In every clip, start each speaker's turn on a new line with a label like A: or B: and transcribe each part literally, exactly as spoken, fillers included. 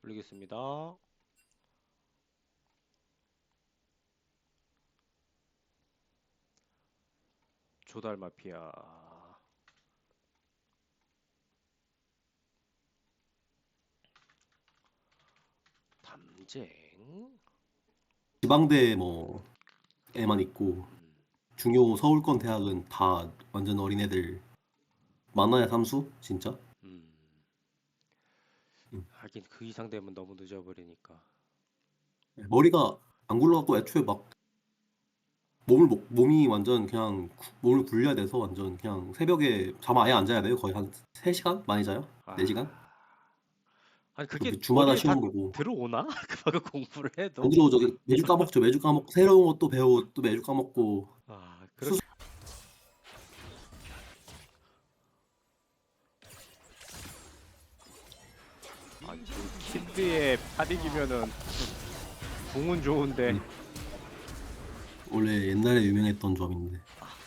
A: 올리겠습니다. 조달 마피아. 담쟁.
B: 지방대 뭐에만 있고
A: 음,
B: 중요 서울권 대학은 다 완전 어린애들. 만화야 삼수? 진짜?
A: 음.
B: 음.
A: 하긴 그 이상 되면 너무 늦어버리니까.
B: 머리가 안 굴러갖고 애초에 막 몸을 목- 몸이 완전 그냥 구- 몸을 굴려야 돼서 완전 그냥 새벽에 잠 아예 안 자야 돼요. 거의 한 세 시간? 많이 자요? 네 시간?
A: 아, 아니 그게
B: 그 주마다
A: 머리에 다
B: 시험 보고
A: 들어오나? 그거 공부를
B: 안
A: 해도.
B: 들어오죠. 매주 까먹죠. 매주 까먹고 새로운 것도 배우고 또 매주 까먹고.
A: 아,
B: 수
A: 그렇게. 아니 그 킨드의 팔이기면은 궁은 좋은데.
B: 음, 원래 옛날에 유명했던 점인데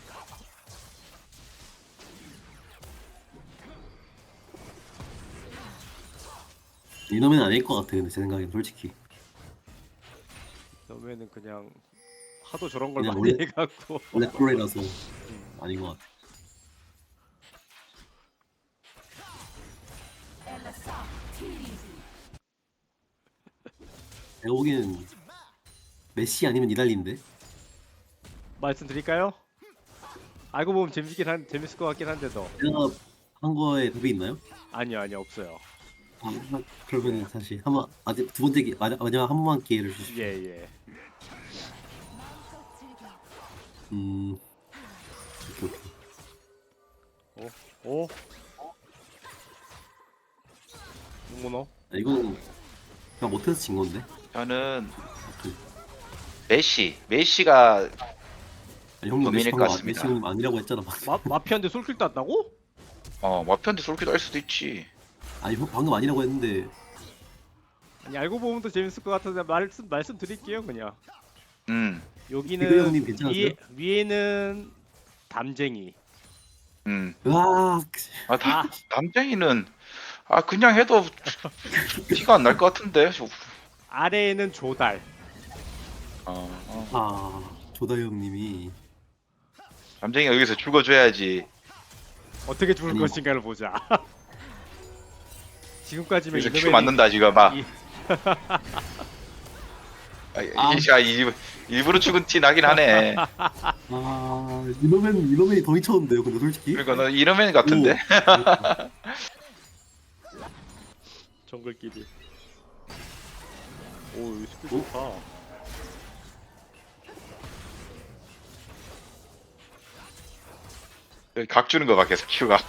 B: 이놈은 아닐 것 같아. 근데 제 생각엔 솔직히
A: 너면은 그냥 하도 저런 걸
B: 그냥
A: 많이
B: 원래
A: 해갖고.
B: 원래 프로라서
A: 음.
B: 아닌 것 같아. 내가 보기엔 메시 아니면 이달리인데.
A: 말씀드릴까요? 알고 보면 재밌긴 한 재밌을 것 같긴 한데도.
B: 내가 한 거에 답이 있나요?
A: 아니요, 아니요, 없어요.
B: 아, 그러면 다시 한번 아직 두 번째 기 마지막 마지막 한 번만 기회를
A: 예,
B: 주십시오.
A: 예.
B: 음, 오케이, 오케이.
A: 오, 오, 문문어.
B: 아, 이거는 그냥 못해서 진 건데.
C: 저는
B: 그,
C: 메시, 메시가
B: 아니, 형님 메시
C: 범인일 것
B: 방금 아- 메시
C: 같습니다.
B: 형님 아니라고 했잖아. 방금.
A: 마 마피아인데 솔킬 땄다고?
C: 어, 마피한테 솔깃 할 수도 있지.
B: 아니 형 방금 아니라고 했는데.
A: 아니 알고 보면 더 재밌을 것 같아서 말씀 말씀드릴게요 그냥.
C: 음,
B: 비글
A: 여기는
B: 형님 괜찮으세요?
A: 위에 위에는 담쟁이.
C: 음.
B: 으악.
C: 아, 다,
A: 아,
C: 남쟁이는 아 그냥 해도 티가 안 날 것 같은데.
A: 아래에는 조달.
C: 어, 어.
B: 아, 조다 형님이
C: 남쟁이가 여기서 죽어줘야지.
A: 어떻게 죽을
B: 아니,
A: 것인가를 보자. 지금까지면
C: 여기서 큐
A: 이노벨이
C: 맞는다 지금 막.
A: 이,
C: 아, 이게 아, 일- 일부러 죽은 티 나긴 하네.
B: 아 이놈은 이놈이 더 미쳤는데요. 근데 솔직히.
C: 그러니까 너 이러면 같은데.
B: 오.
A: 정글끼리. 오, 이 스킬
B: 오?
A: 좋다.
C: 여기 각 주는 거 봐 계속 큐가.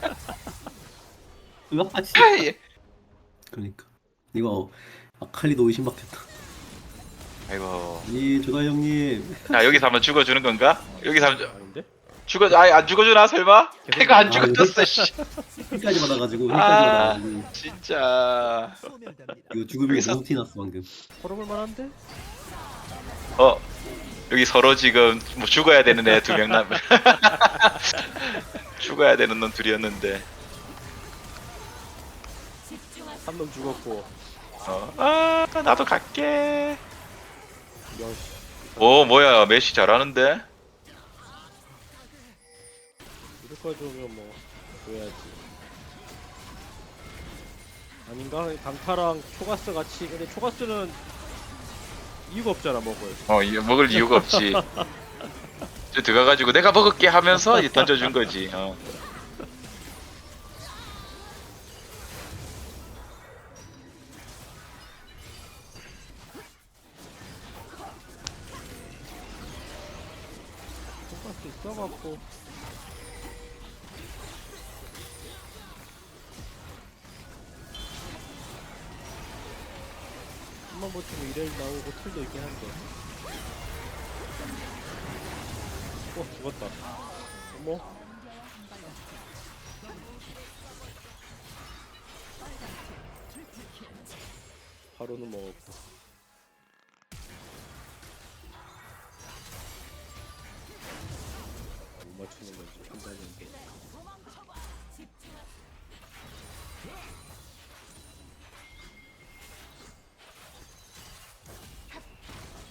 B: 으악. 씨.
C: 아이.
B: 그러니까 이거 아칼리도 의심받겠다.
C: 아이고.
B: 이 조다 형님.
C: 자 여기서 한번 죽어주는 건가? 여기서 한번
A: 아닌데?
C: 죽어, 아예 안 죽어주나 설마?
A: 계속
C: 해가 안
B: 아,
C: 죽어줬어. 씨.
B: 힐까지 받아가지고 힐까지
C: 아,
B: 받아가지고
C: 진짜.
B: 이거 죽으면
C: 여기서-
B: 너무 티났어 방금.
A: 걸어볼 만한데?
C: 어, 여기 서로 지금 뭐 죽어야 되는 애 두 명 남. 죽어야 되는 놈 둘이었는데.
A: 한 놈 죽었고.
C: 어, 아, 나도 갈게.
A: 여시.
C: 오, 뭐야, 메시 잘하는데?
A: 이렇게까지 오면 뭐 줘야지. 아닌가? 강타랑 초가스 같이. 근데 초가스는 이유가 없잖아 먹을.
C: 어, 이- 먹을 이유가 없지. 저 들어가가지고 내가 먹을게 하면서 이제 던져준 거지. 어.
A: 초가스 있어갖고. 한번 버티면 이레일 나오고 툴도 있긴 한데. 어 죽었다. 어머. 바로는 먹었고. 못 맞추는 건지 판단이 안 돼.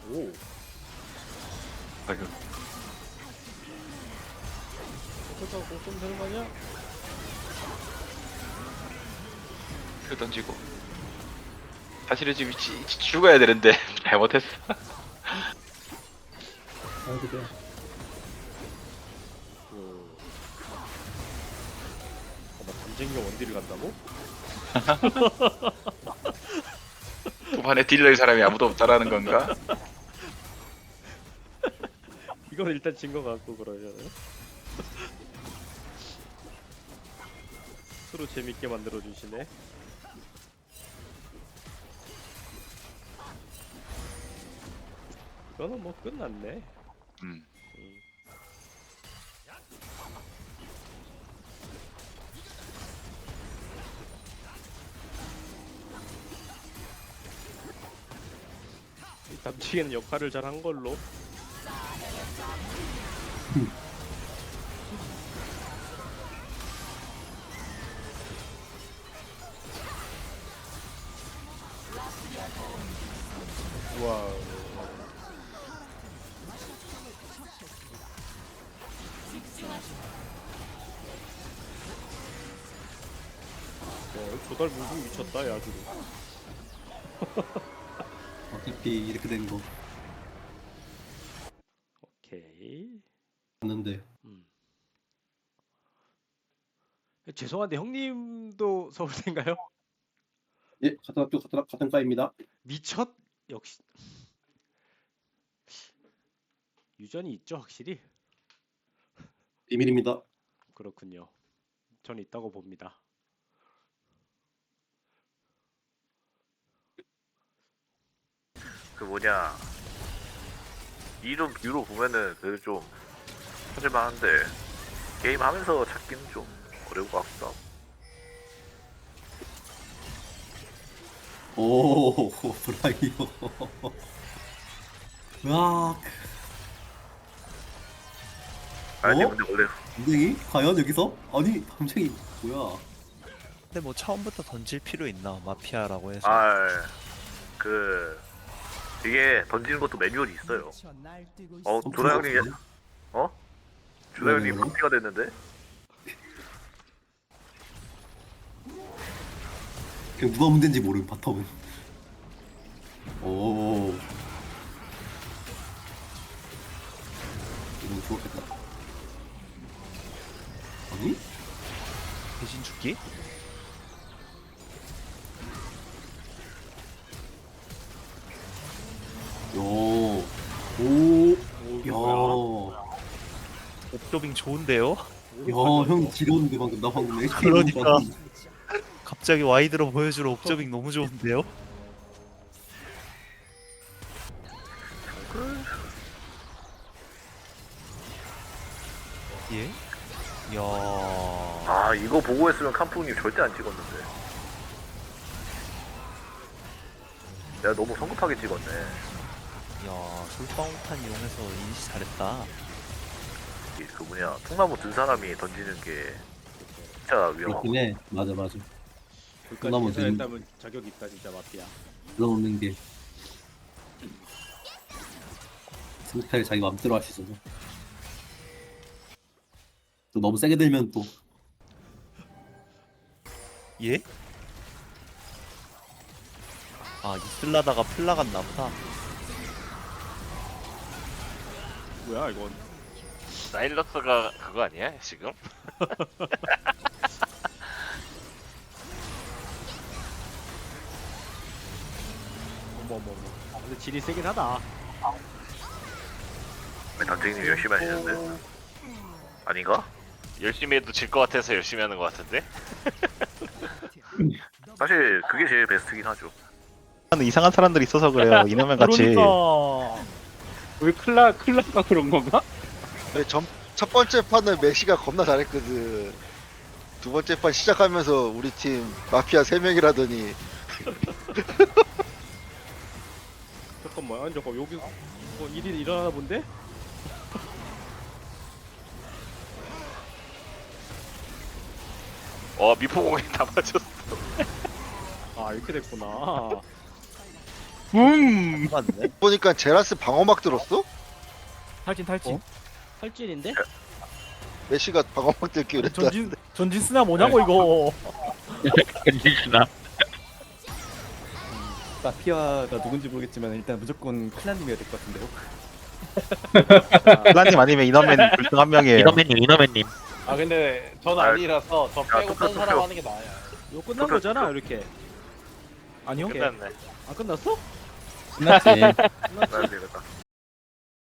A: 오.
C: 아이고.
A: 어쩌다 공좀 되는 거 아니야?
C: 표 던지고. 사실은 지금 지, 지- 죽어야 되는데 잘못했어.
B: 아이고 그래.
A: 그. 어, 나 담쟁이가 원딜을 간다고?
C: 후반에 딜러의 사람이 아무도 없다라는 건가?
A: 이건 일단 진 거 같고 그러잖아요. 스스로 재밌게 만들어 주시네. 이거는 뭐 끝났네.
C: 음.
A: 음. 이 담치기는 역할을 잘 한 걸로. 와. 와, 조달 무빙 미쳤다, 야, 지금.
B: 어차피 이렇게 된 거
A: 오케이.
B: 봤는데
A: 음. 죄송한데 형님도 서울대인가요?
B: 예 같은 학교 같은, 학- 같은 과입니다.
A: 미쳤? 역시 유전이 있죠, 확실히.
B: 비밀입니다.
A: 그렇군요. 저는 있다고 봅니다.
D: 그 뭐냐 이름 뷰로 보면은 그래도 좀 찾을만한데 게임 하면서 찾기는 좀 어려울 것 같기도 하고.
B: 오 브라이어. 으악.
D: 아니
B: 어?
D: 근데 원래
B: 담쟁이? 과연 여기서? 아니 담쟁이 뭐야?
E: 근데 뭐 처음부터 던질 필요 있나 마피아라고 해서
D: 아그 이게 던지는 것도 매뉴얼이 있어요. 어 조다 형님 어? 조다 형님
B: 네.
D: 커피가 됐는데?
B: 그냥 누가 문제인지 모르는 바텀은. 오. 이거 좋았겠다. 아니?
E: 대신 죽기?
B: 요. 오.
A: 오, 이게 뭐야?
B: 야.
E: 옵저빙 좋은데요?
B: 야, 형 지렸는데 방금 나 방금 에이치
E: 그러니까.
B: 봤는데.
E: 갑자기 와이드로 보여주러 옵저빙 너무 좋은데요? 예? 이야
D: 아 이거 보고 했으면 캄푸님 절대 안 찍었는데 내가 너무 성급하게 찍었네.
E: 이야 솔방울탄 이용해서 인시 잘했다.
D: 이 그 뭐냐 통나무 든 사람이 던지는 게 진짜 위험하고.
B: 그렇긴 해. 맞아 맞아.
A: 그까지
B: 그나마
A: 계산했다면 자격이 있다, 진짜 마피아.
B: 넣는 게 스타일 자기 맘대로 할 수 있어서. 또 너무 세게 들면 또
E: 예? 아 이슬라다가 플 나갔나 보다.
A: 뭐야, 이건?
F: 사일러스가 그거 아니야 지금?
A: 어머, 어머, 어머. 아, 근데 질이 세긴 하다.
D: 단장님 열심히 하시는데 아닌가?
F: 열심히 해도 질 것 같아서 열심히 하는 것 같은데?
D: 사실 그게 제일 베스트긴 하죠.
G: 이상한 사람들이 있어서 그래요. 이놈의 같이.
A: 그러니까.
H: 우리 클라 클라가 그런 건가?
I: 네, 전, 첫 번째 판은 메시가 겁나 잘했거든. 두 번째 판 시작하면서 우리 팀 마피아 세 명이라더니
A: 잠깐만, 아니, 잠깐, 여기 뭐 일이 일어나나 본데?
F: 어 미포공에 다 맞췄어.
A: 아, 이렇게 됐구나.
H: 음.
E: 맞네.
I: 보니까 제라스 방어막 들었어?
H: 탈진 탈진.
A: 어? 탈진인데?
I: 메시가 방어막 들기 그랬다.
H: 전진 전진 쓰나 뭐냐고 이거.
G: 엔진스나.
H: 마피아가 누군지 모르겠지만 일단 무조건 클란님이어야 될 것 같은데요.
G: 플라님 아니면 이너맨 둘중 한 명이에요.
J: 이너맨님, 이너맨님.
K: 아 근데 전
D: 아,
K: 아니라서 저 빼고
D: 투표,
K: 딴 사람
D: 투표.
K: 하는 게 나아요.
A: 이거 끝난 거잖아 이렇게.
H: 아니요.
F: 끝났네.
A: 아 끝났어?
H: 끝났지.
D: 나야 되겠다.